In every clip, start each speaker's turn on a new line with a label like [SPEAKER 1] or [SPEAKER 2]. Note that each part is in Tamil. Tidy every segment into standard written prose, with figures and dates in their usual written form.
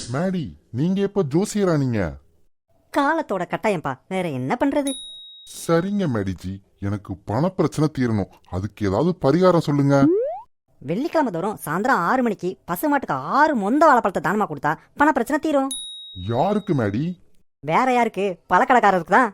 [SPEAKER 1] மேடி, நீங்க எப்ப ஜோசியரா நீங்க?
[SPEAKER 2] காலத்தோட கட்டாயம்பா, வேற என்ன பண்றது?
[SPEAKER 1] சரிங்க மேடிஜி, எனக்கு பண பிரச்சனை தீரணும். அதுக்கு ஏதாவது பரிகாரம் சொல்லுங்க.
[SPEAKER 2] வெள்ளிக்கிழமை தோறும் சாயந்தரம் 6 மணிக்கு பசுமாட்டுக்கு 6 மொந்த வாழைப்பழத்தை தானமா கொடுத்தா பண பிரச்சனை தீரும்.
[SPEAKER 1] யாருக்கு மேடி?
[SPEAKER 2] வேற யாருக்கு? பழக்கடைக்காரருக்கு தான்.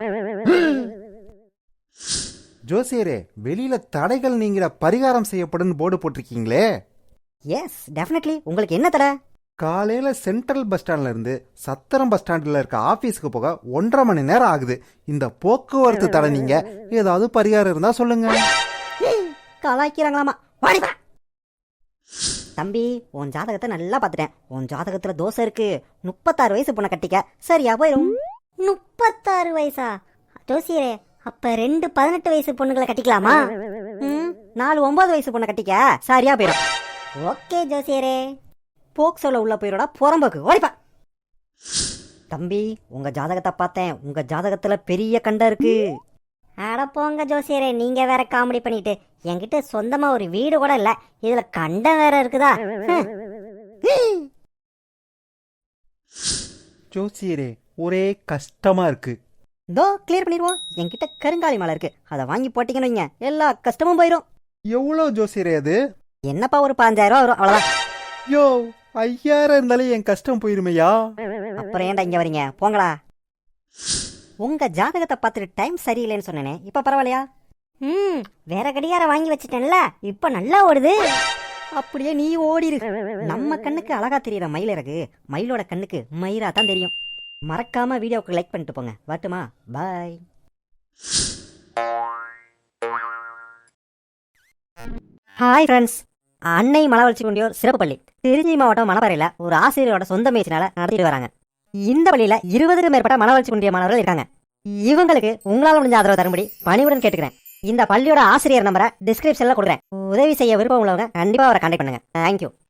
[SPEAKER 3] ஜோசியரே, வெளியில தடைகள் நீங்கிற பரிகாரம் செய்யப்படும் போர்டு போட்டிருக்கீங்களே.
[SPEAKER 2] S, definitely. உங்களுக்கு என்ன தடை?
[SPEAKER 3] காலையில சென்ட்ரல் பஸ் ஸ்டாண்ட்ல இருந்து சத்திரம் பஸ் ஸ்டாண்ட்ல இருக்க ஆபீஸ்க்கு போக 1.5 மணி நேரம் ஆகுது. இந்த போக்குவரத்து தடை நீங்க ஏதாவது பரிகாரம் இருந்தா சொல்லுங்க.
[SPEAKER 2] கலாய்க்கிறாங்களாமா. வாடிப்பா. தம்பி, உன் ஜாதகத்தை நல்லா பாத்துட்டேன். உன் ஜாதகத்துல தோசை இருக்கு. 36 வயசு பொண்ணை கட்டிக்க சரியா போயிரும்.
[SPEAKER 4] 36 வயசா? ஜோசியரே, அப்ப 2 18 வயசு பொண்ணுங்களை கட்டிக்கலாமா?
[SPEAKER 2] 4 9 வயசு பொண்ணை கட்டிக்க சரியா போயிரும்.
[SPEAKER 4] ஓகே ஜோசியரே.
[SPEAKER 2] போக்சோல உள்ள போயிரோட புறம்போக்கு. ஓடிப்பா. தம்பி, உங்க ஜாதகத்தை பார்த்தேன். உங்க ஜாதகத்துல பெரிய கண்டம் இருக்கு.
[SPEAKER 4] அட போங்க ஜோசியரே, நீங்க வேற காமெடி பண்ணிட்டு. என்கிட்ட சொந்தமா ஒரு வீடு கூட இல்ல, இதுல கண்டம் வேற இருக்குதா?
[SPEAKER 3] ஜோசியரே, ஒரே கஷ்டமா இருக்கு.
[SPEAKER 2] இதோ கிளியர் பண்ணிடுவோம். என்கிட்ட கருங்காலி மலை இருக்கு. அதை வாங்கி போட்டீங்கன்னு வைங்க, எல்லா கஷ்டமும் போயிடும்.
[SPEAKER 3] எவ்வளவு ஜோசியரே அது?
[SPEAKER 2] என்னப்பா, ஒரு 5000 ரூபா வரும், அவ்வளவுதான்.
[SPEAKER 3] யோ, 5000 இருந்தாலே என் கஷ்டம் போயிருமையா?
[SPEAKER 2] அப்புறம் ஏன்டா இங்க வரீங்க? போங்களா. உங்க ஜாதகத்தை பார்த்துட்டு டைம் சரியில்லைன்னு சொன்னேனே, இப்ப பரவாயில்லையா?
[SPEAKER 4] வேற கடிகாரம் வாங்கி வச்சுட்டேன்ல, இப்ப நல்லா ஓடுது.
[SPEAKER 2] அப்படியே நீ ஓடிரு. நம்ம கண்ணுக்கு அழகா தெரியற மயில் இறகு மயிலோட கண்ணுக்கு மயிரா தான் தெரியும். மறக்காம வீடியோவுக்கு லைக் பண்ணிட்டு போங்க. வரட்டுமா? பாய். Hi friends. அன்னை மலவளர்ச்சி குண்டியோர் சிறப்பு பள்ளி திருச்சி மாவட்டம் மணப்பாறையில் ஒரு ஆசிரியரோட சொந்த முயற்சினால நடத்திட்டு வராங்க. இந்த பள்ளியில 20க்கும் மேற்பட்ட மனவளர்ச்சி குன்றிய மாணவர்கள் இருக்காங்க. இவங்களுக்கு உங்களால் முடிஞ்ச ஆதரவு தரும்படி பணிவுடன் கேட்டுக்கிறேன். இந்த பள்ளியோட ஆசிரியர் நம்பரை டிஸ்கிரிப்ஷன்ல கொடுக்குறேன். உதவி செய்ய விருப்பம் உள்ளவங்க கண்டிப்பா அவரை கான்டாக்ட் பண்ணுங்க. தேங்க்யூ.